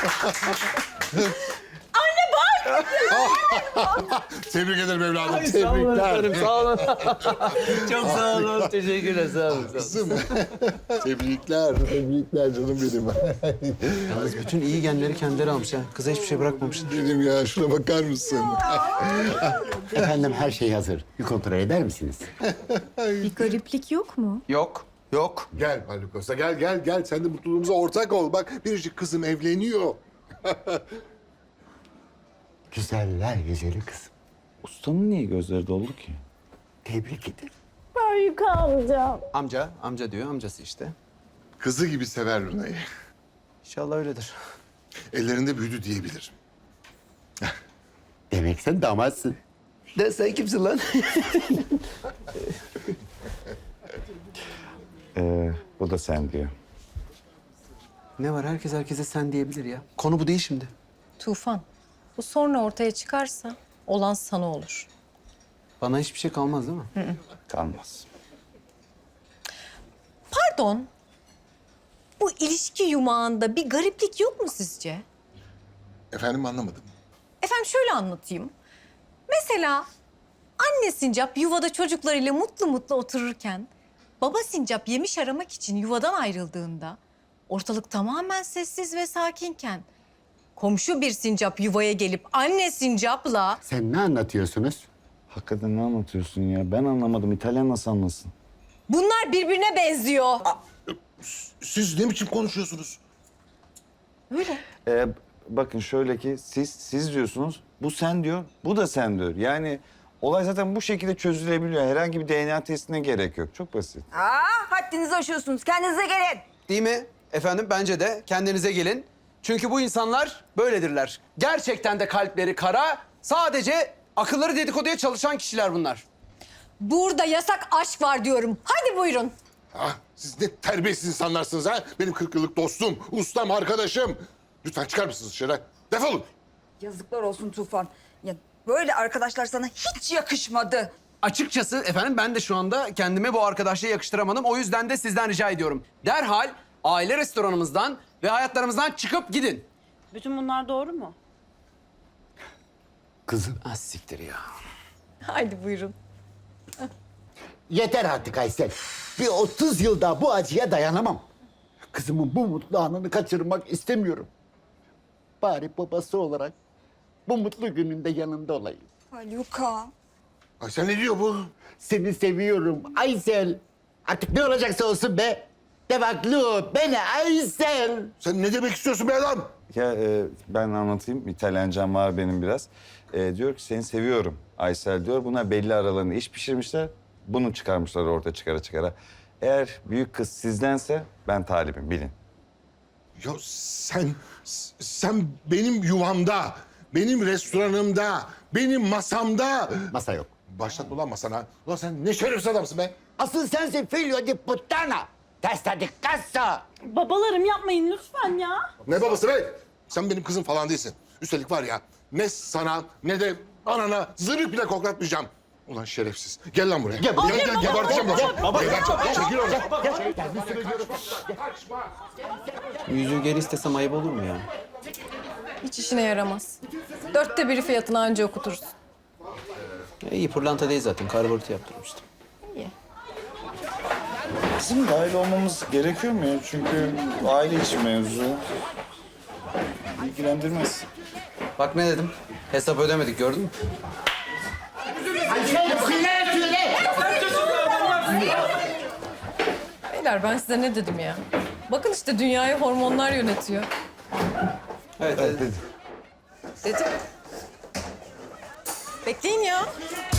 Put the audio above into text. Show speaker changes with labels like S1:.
S1: Tebrik ederim evladım.
S2: Sağ olun efendim,
S1: Tebrikler.
S2: sağ olun. Çok sağ olun, teşekkürler, sağ olun.
S1: Kızım. Tebrikler. Tebrikler canım benim.
S2: Yalnız bütün iyi genleri kendileri almış ha. Kıza hiçbir şey bırakmamışlar.
S1: Benim ya şuna bakar mısın?
S3: Efendim her şey hazır. Bir kontrol eder misiniz?
S4: Bir gariplik yok mu?
S2: Yok, yok.
S1: Gel Haluk Usta gel. Sen de mutluluğumuza ortak ol. Bak biricik kızım evleniyor.
S3: Güzeller güzeli kızım.
S5: Ustanın niye gözleri doldu ki?
S3: Tebrik ederim.
S2: Amca diyor, amcası işte.
S1: Kızı gibi sever Luna'yı.
S2: İnşallah öyledir.
S1: Ellerinde büyüdü diyebilirim.
S3: Demek sen damatsın.
S2: De sen kimsin lan?
S5: Bu da sen diyor.
S2: Ne var, herkes herkese sen diyebilir ya. Konu bu değil şimdi.
S4: Tufan, bu sonra ortaya çıkarsa olan sana olur.
S2: Bana hiçbir şey kalmaz değil mi?
S5: Kalmaz.
S4: Pardon, bu ilişki yumağında bir gariplik yok mu sizce?
S1: Efendim anlamadım.
S4: Efendim şöyle anlatayım. Mesela anne sincap yuvada çocuklarıyla mutlu mutlu otururken... ...baba sincap yemiş aramak için yuvadan ayrıldığında... ...ortalık tamamen sessiz ve sakinken... ...komşu bir sincap yuvaya gelip anne sincapla...
S3: Sen ne anlatıyorsunuz?
S5: Hakikaten ne anlatıyorsun ya? Ben anlamadım. İtalyan nasıl anlasın?
S4: ...bunlar birbirine benziyor.
S1: Siz ne biçim konuşuyorsunuz?
S4: Öyle.
S5: Bakın şöyle ki siz diyorsunuz. Bu sen diyor. Bu da sen diyor. Yani olay zaten bu şekilde çözülebiliyor. Herhangi bir DNA testine gerek yok. Çok basit.
S6: Haddinizi aşıyorsunuz. Kendinize gelin.
S2: Değil mi? Efendim bence de kendinize gelin. Çünkü bu insanlar böyledirler. Gerçekten de kalpleri kara, sadece akılları dedikoduya çalışan kişiler bunlar.
S4: Burada yasak aşk var diyorum. Hadi buyurun.
S1: Siz ne terbiyesiz insanlarsınız ha? Benim 40 yıllık dostum, ustam, arkadaşım. Lütfen çıkar mısınız dışarı? Defolun.
S6: Yazıklar olsun Tufan. Ya böyle arkadaşlar sana hiç yakışmadı.
S2: Açıkçası efendim ben de şu anda kendime bu arkadaşlığı yakıştıramadım. O yüzden de sizden rica ediyorum. Derhal aile restoranımızdan ve hayatlarımızdan çıkıp gidin.
S7: Bütün bunlar doğru mu?
S3: Kızım.
S2: Ah siktir ya.
S4: Hadi buyurun.
S3: Yeter artık Aysel. Bir 30 yıl daha bu acıya dayanamam. Kızımın bu mutlu anını kaçırmak istemiyorum. Bari babası olarak bu mutlu gününde yanında olayım.
S6: Haluk'a.
S1: Ay sen ne diyor bu?
S3: Seni seviyorum Aysel. Artık ne olacaksa olsun be. Devaklı beni Aysel.
S1: Sen ne demek istiyorsun be adam?
S5: Ya ben anlatayım. İtalyancam var benim biraz. Diyor ki seni seviyorum Aysel diyor. Buna belli aralarında iş pişirmişler. Bunu çıkarmışlar ortaya çıkara. Eğer büyük kız sizdense ben talibim bilin.
S1: Ya sen benim yuvamda, benim restoranımda, benim masamda...
S3: Masa yok.
S1: Başlatma ulan masana. Ulan sen ne şerefsiz adamsın be.
S3: Asıl sensin figlio di puttana. Testa di cazzo.
S7: Babalarım yapmayın lütfen ya.
S1: Ne babası be? Sen benim kızım falan değilsin. Üstelik var ya ne sana ne de anana zırh bile koklatmayacağım. Ulan şerefsiz. Gel lan buraya. Gel geberteceğim lan. Geberteceğim. Çekil oradan.
S2: Yüzüğü geri istesem ayıp olur mu ya?
S4: Hiç işine yaramaz. 1/4 fiyatını anca okutursun.
S2: İyi pırlanta değil zaten. Karbonatı yaptırmıştım.
S5: Bizim dahil olmamız gerekiyor mu ya? Çünkü aile içi mevzu. İlgilendirmez.
S2: Bak ne dedim? Hesap ödemedik gördün mü?
S4: Beyler ben size ne dedim ya? Bakın işte dünyayı hormonlar yönetiyor.
S2: Evet.
S4: Dedim. Bekleyin ya.